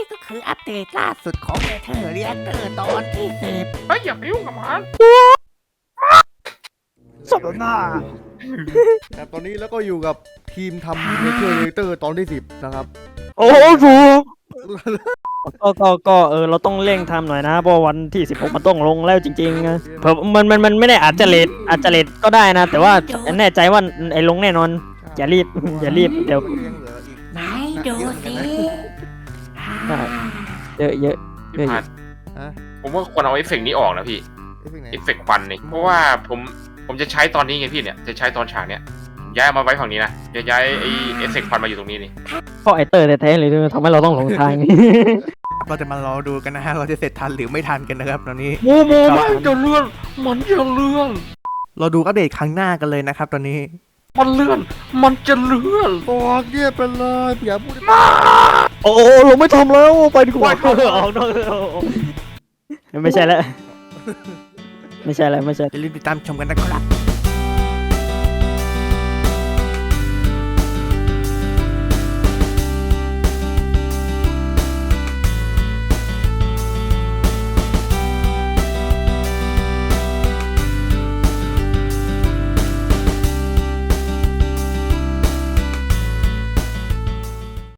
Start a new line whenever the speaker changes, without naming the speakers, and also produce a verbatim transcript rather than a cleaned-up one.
ก็คืออัปเดตล่าสุดของเนเธอร์เรียเตอร์ตอนที่สิบ
เฮ้ยอย่าไปยุ่งกับมัน
สมหน้า
ครับตอนนี้แล้วก็อยู่กับทีมทำเนเธอร์เรเตอร์ตอนที่สิบนะครับ
โอ้โหสูก็ก็ก็เออเราต้องเร่งทำหน่อยนะเพราะวันที่สิบหกมันต้องลงแล้วจริงๆนะเผื่อมันมันมันไม่ได้อาจจะเลทอาจจะเลทก็ได้นะ แต่ว่าแน่ใจว่าไอ้ลงแน่นอนอย่ารีบอย่ารีบเดี๋ยว
ไหนดูสิ
เยอะเยอะ
พี่พัดผมว่าควรเอาเอฟเฟกต์นี้ออกนะพี่เอฟเฟกต์ควันนี่เพราะว่าผมผมจะใช้ตอนนี้ไงพี่เนี่ยจะใช้ตอนฉากเนี้ยย้ายมาไว้ฝั่งนี้นะจะย้ายไอเอฟเฟกต์ควันมาอยู่ตรงนี้นี่
เพราะไอเตอร์แท้ๆเลยทำให้เราต้องหลงทาง
เราจะมารอดูกันนะฮะเราจะเสร็จทันหรือไม่ทันกันนะครับตอนนี้
โมโมมันจะเลื่อนมันจะเลื่อน
เราดูอัปเดตครั้งหน้ากันเลยนะครับตอนนี้
มันเลื่อนมันจะเลื่อน
บอกเงียบไปเลยอย่าพูด
โอ้เราไม่ทำแล้วไปดีกว่าออกนอกไม่ใช่แล้วไม่ใช่แล้วไม่ใช่
อย่าลืมติดตามชมกันนะครับ